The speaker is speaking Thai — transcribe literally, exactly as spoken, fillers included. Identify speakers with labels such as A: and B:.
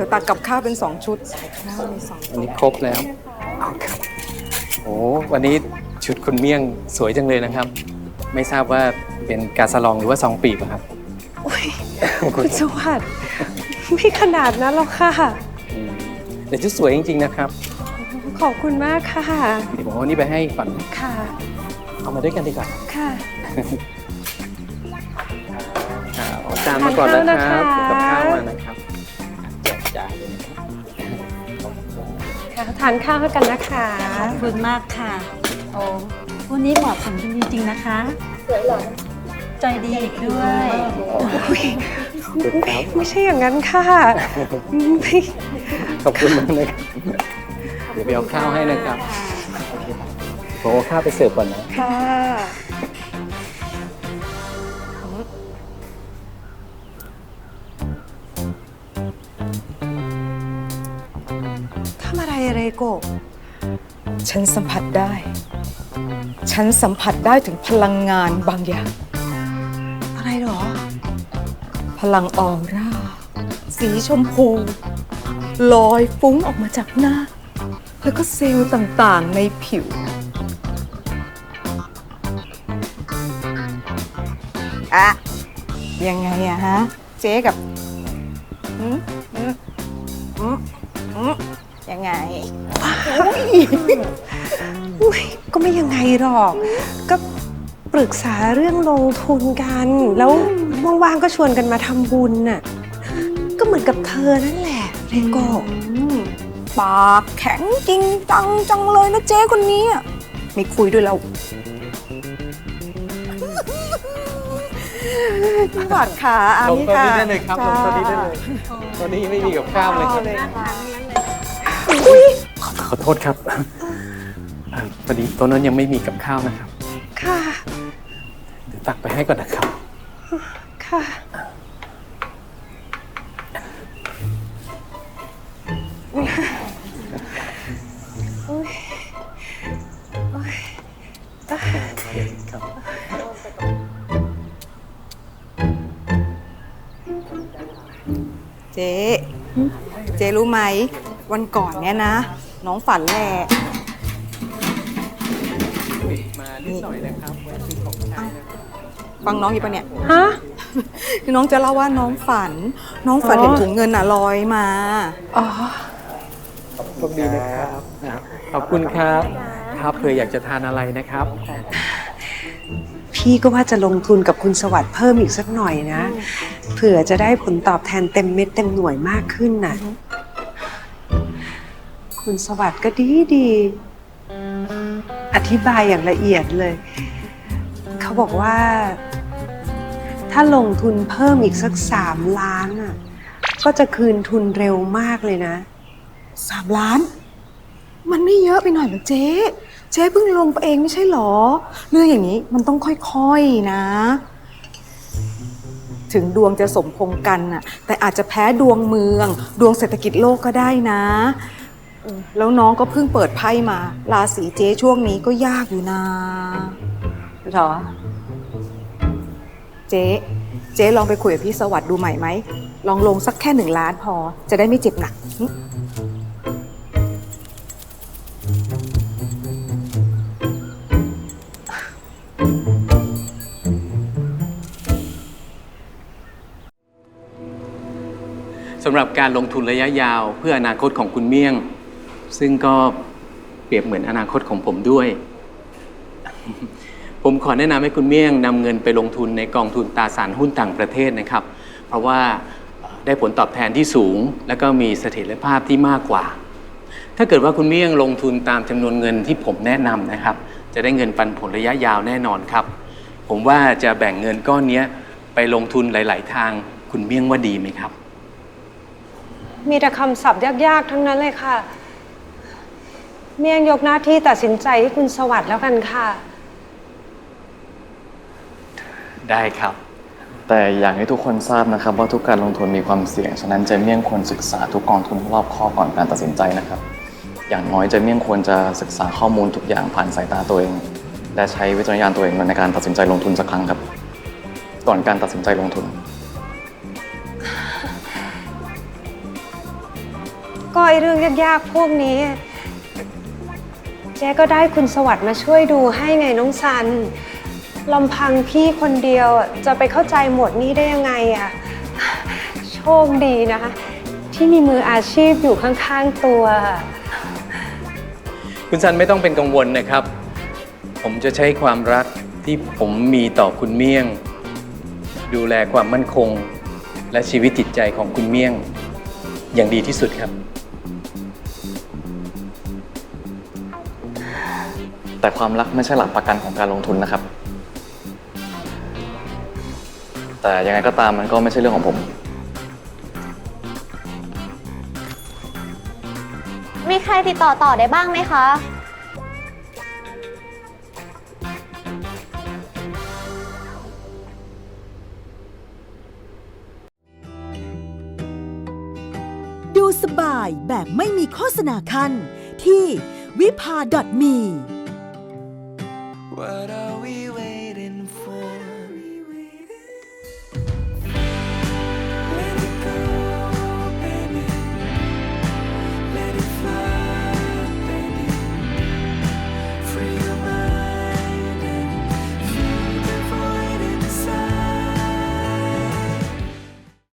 A: ดี๋ยวตักกับข้าวเป็นสองชุดข้าวมีสอง
B: อันนี้ครบแล้วเอาครับโอ้วันนี้ชุดคุณเมี่ยงสวยจังเลยนะครับ ไม่ทราบว่าเป็นกาสะลองหรือว่าซองปีบอะครับ
C: อุ๊ยคุณสวัสดิ์ไม่ขนาดนั้นหรอกค่ะ
B: อืมแต่ชุดสวยจริงๆนะครับ
C: ขอบคุณมากค่ะ
B: เดี๋ยวผมเอานี่ไปให้ก่อน
C: ค่ะ
B: เอามาด้วยกันดีกว่า
C: ค่ะ
B: เอาจานมาก่อนนะครับ
C: ทานข้าวนะคะ
B: กับข้าวมานะครับแจกจ่ายเลยนะครับ
C: ค่ะทานข้าวกันนะคะ
D: ขอบคุณมากค่ะโอ้วันนี้เหมาะสมจริงๆนะคะสวยหรอใจดีอีกด้วย
B: ขอบคุณครับ
C: ไม่ใช่อย่างนั้นค่ะไม่
B: ขอบคุณมากนะครับเดี๋ยวไปเอาข้าวให้นะครับผมเอาข้าวไปเสิร์ฟก่อนนะ
C: ค่ะทำอะไรอะไรโกะ
A: ฉันสัมผัสได้ ฉันสัมผัสได้ถึงพลังงานบางอย่าง
C: อะไรหรอ
A: พลังออร่า สีชมพู ลอยฟุ้งออกมาจากหน้า แล้วก็เซลล์ต่างๆในผิว อะยังไงอะฮะ เจ๊กับอืมอืมอืมอืมยังไง
C: อุ๊ยก็ไม่ยังไงหรอก ก็ปรึกษาเรื่องลงทุนกัน แล้วว่างๆก็ชวนกันมาทำบุญน่ะ ก็เหมือนกับเธอนั่นแหละเรโกะ
A: อืมปากแข็งจริงจังจังเลยนะเจ๊คนนี้อะไม่คุยด้วยแล้วพี่บัตรขาอัน
B: ลง
A: นี้
B: ตอน
A: ค่ะ
B: นี้ได้เลยครับลงตอนนี้ได้เลย ตอนนี้ไม่มีกับข้าวเลยครับ
A: เลยค่ะ
B: ขอขอโทษครับเอ่อพอดีตัวนั้นยังไม่มีกับข้าวนะครับ
C: ค่ะ
B: เดี๋ยวตักไปให้ก่อนนะครับ
C: ค่ะ
B: ครับ
A: เจ๊เจ๊รู้ไหมวันก่อนเนี่ยนะ น้องฝันแหละ
B: มานิดหน่อยนะครับแวะซื้อของใช้นะครับ
A: ฟังน้องอยู่ปะเนี่ย
C: ฮะ
A: คือน้องจะเล่าว่าน้องฝัน น้องฝัน
C: อ๋อ
A: เห็นถุงเงินอ่ะลอยมา
C: อ๋อ
B: โชคดีนะครับนะครับ ขอบคุณครับ ครับเผื่ออยากจะทานอะไรนะครับ
C: พี่ก็ว่าจะลงทุนกับคุณสวัสดิ์เพิ่มอีกสักหน่อยนะ เผื่อจะได้ผลตอบแทนเต็มเม็ดเต็มหน่วยมากขึ้นน่ะ คุณสวัสดิ์ก็ดีดีอธิบายอย่างละเอียดเลย เขาบอกว่า ถ้าลงทุนเพิ่มอีกสักสามล้านอ่ะ ก็จะคืนทุนเร็วมากเลยนะ
A: สามล้าน มันไม่เยอะไปหน่อยเหรอเจ๊ เจ๊เพิ่งลงไปเองไม่ใช่หรอ เรื่องอย่างนี้มันต้องค่อยๆนะ ถึงดวงจะสมพงษ์กันน่ะ แต่อาจจะแพ้ดวงเมือง ดวงเศรษฐกิจโลกก็ได้นะเออแล้วน้องก็เพิ่งเปิดไพ่มา ราศีเจ๊ช่วงนี้ก็ยากอยู่นะ
C: หรอ
A: เจ๊ เจ๊ลองไปคุยกับพี่สวัสดิ์ดูใหม่ไหม ลองลงสักแค่หนึ่งล้านพอ จะได้ไม่เจ็บหนักหึ
B: สำหรับการลงทุนระยะยาวเพื่ออนาคตของคุณเมี่ยง ซึ่งก็เปรียบเหมือนอนาคตของผมด้วย ผมขอแนะนำให้คุณเมี่ยงนำเงินไปลงทุนในกองทุนตราสารหุ้นต่างประเทศนะครับ เพราะว่าได้ผลตอบแทนที่สูง และก็มีเสถียรภาพที่มากกว่า ถ้าเกิดว่าคุณเมี่ยงลงทุนตามจำนวนเงินที่ผมแนะนำนะครับ จะได้เงินปันผลระยะยาวแน่นอนครับ ผมว่าจะแบ่งเงินก้อนนี้ไปลงทุนหลาย ๆ ทางคุณเมี่ยงว่าดีไหมครับ
C: มีแต่คำศัพท์ยากๆ ทั้งนั้นเลยค่ะ เมี่ยงยกหน้าที่ตัดสินใจให้คุณสวัสดิ์แล้วกันค่ะ
B: ได้ครับ
E: แต่อยากให้ทุกคนทราบนะครับว่าทุกการลงทุนมีความเสี่ยง ฉะนั้นเจเมี่ยงควรศึกษาทุกกองทุนให้รอบคอบก่อนการตัดสินใจนะครับ อย่างน้อยเจเมี่ยงควรจะศึกษาข้อมูลทุกอย่างผ่านสายตาตัวเอง และใช้วิจารณญาณตัวเองในการตัดสินใจลงทุนสักครั้งครับ ก่อนการตัดสินใจลงทุน
C: ก็ไอเรื่องยากๆพวกนี้ เจ๊ก็ได้คุณสวัสดิ์มาช่วยดูให้ไงน้องซันลำพังพี่คนเดียวจะไปเข้าใจหมวดนี้ได้ยังไงอะโชคดีนะคะที่มีมืออาชีพอยู่ข้างๆตัว
B: คุณซันไม่ต้องเป็นกังวลนะครับ ผมจะใช้ความรักที่ผมมีต่อคุณเมี่ยง ดูแลความมั่นคง และชีวิตจิตใจของคุณเมี่ยง อย่างดีที่สุดครับ
E: แต่ความรักไม่ใช่หลักประกันของการลงทุนนะครับ แต่ยังไงก็ตามมันก็ไม่ใช่เรื่องของผม
F: มีใครติดต่อต่อได้บ้างไหมคะ
G: ดูสบายแบบไม่มีโฆษณาคันที่วิภา .me
H: What I